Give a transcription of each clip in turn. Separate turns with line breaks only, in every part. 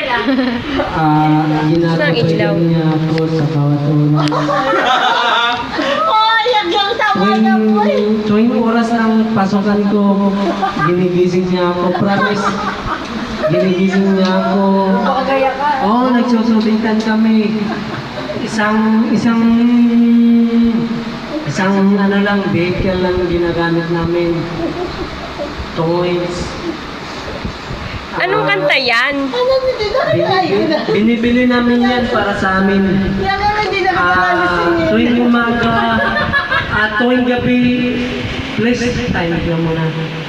Ginagawa niya ako sa bawat oras. Tuwing oras ng pasokan ko, ginigising niya ako. Promise, ginigising niya ako. Oo, nagsusubitan kami. Isang ano lang, vehicle lang ginagamit namin. Toys.
Anong kanta yan?
Binibili namin yan para sa amin. Tuwing umaga, tuwing gabi, please, time lang muna.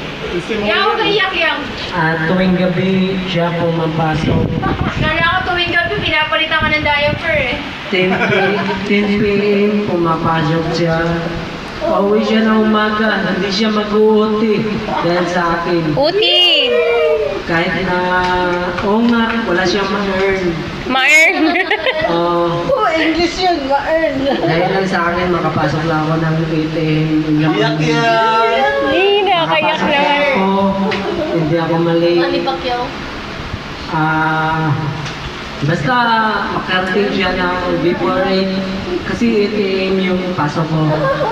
Tuwing gabi, siya pumapasok.
Kala ko tuwing gabi, pinapalitan ka ng diaper eh.
10 p.m. pumapasok siya. Pauwi siya na umaga, hindi siya mag-uuti dahil sa akin.
Uti!
Kahit na, oo nga, wala siyang ma-earn.
Ma-earn!
English yun, ma-earn.
Dahil lang sa akin, makapasok lang ako ng ATM.
Yak yan!
Hindi, nakayak naman.
Hindi ako mali.
Pacquiao?
Basta makarating siya ng before 8 kasi ATM yung pasok ko.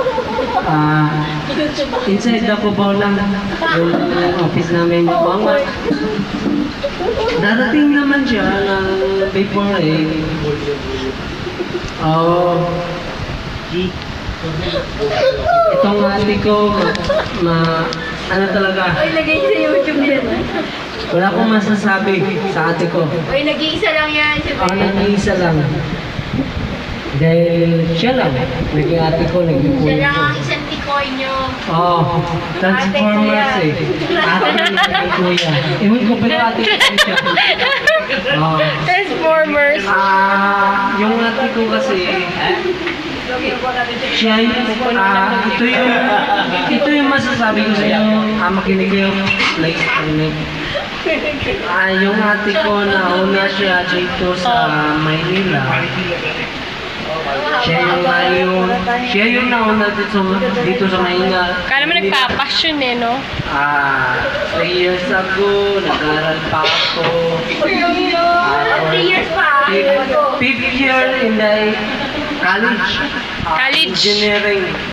Inside the Cubao lang yung office namin. Darating naman siya ng before 8. Itong ate ko, ano talaga?
Ay, lagay sa YouTube yan.
Wala akong masasabi sa ate ko.
Ay, nag-iisa lang yan.
Nag-iisa lang. Dahil siya lang. Naging ate ko, naging
Siya
kuya
lang
ko.
ang isang tikoy nyo.
Transformers eh. Ate ko naging kuya. Ewan ko pero ate ko siya.
Transformers.
Yung ate ko kasi, siya ito yung masasabi ko sa iyo. Makinig kayo. Like, yung ate ko na una siya dito sa Maynila. Siya yung nauna dito sa Maynila.
Kala mo nagpapasyon eh, no?
3 years ago, nag-aral pa ako.
3 years pa?
5th year in the college.
College.
Engineering.